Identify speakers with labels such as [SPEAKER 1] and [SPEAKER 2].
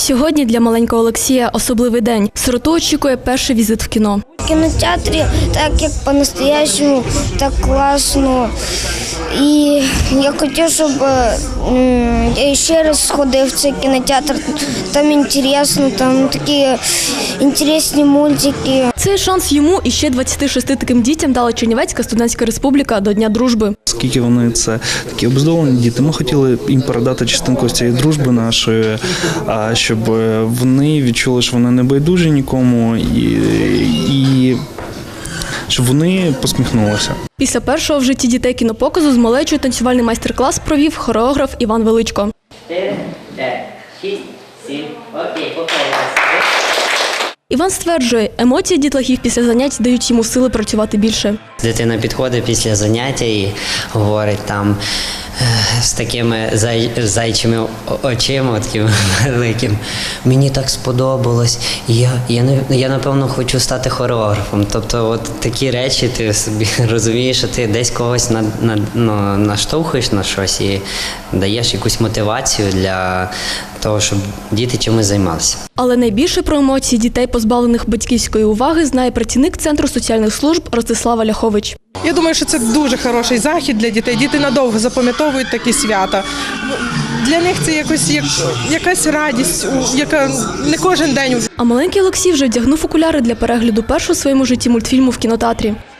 [SPEAKER 1] Сьогодні для маленького Олексія особливий день. Сироту очікує перший візит в кіно.
[SPEAKER 2] В кінотеатрі так як по-настоящему, так класно. І я хотів, щоб я ще раз сходив в цей кінотеатр. Там цікаво, там такі цікаві мультики.
[SPEAKER 1] Цей шанс йому і ще 26 таким дітям дала Чернівецька студентська республіка до Дня дружби.
[SPEAKER 3] Оскільки вони це такі обездолені діти, ми хотіли їм передати частинку цієї дружби нашої, щоб вони відчули, що вони не байдужі нікому і щоб вони посміхнулися.
[SPEAKER 1] Після першого в житті дітей кінопоказу з малечою танцювальний майстер-клас провів хореограф Іван Величко.
[SPEAKER 4] 4, 5, 6, 7, окей, повторюємо.
[SPEAKER 1] Іван стверджує, емоції дітлахів після занять дають йому сили працювати більше.
[SPEAKER 4] Дитина підходить після заняття і говорить там з такими зайчими очима, такими великими. Мені так сподобалось, я напевно хочу стати хореографом. Тобто от такі речі ти собі розумієш, що ти десь когось наштовхуєш на щось і даєш якусь мотивацію для того, щоб діти чимось займалися.
[SPEAKER 1] Але найбільше про емоції дітей, позбавлених батьківської уваги, знає працівник Центру соціальних служб Ростислав Ляхович.
[SPEAKER 5] Я думаю, що це дуже хороший захід для дітей. Діти надовго запам'ятовують такі свята. Для них це якась радість, яка не кожен день.
[SPEAKER 1] А маленький Олексій вже вдягнув окуляри для перегляду першого в своєму житті мультфільму в кінотеатрі.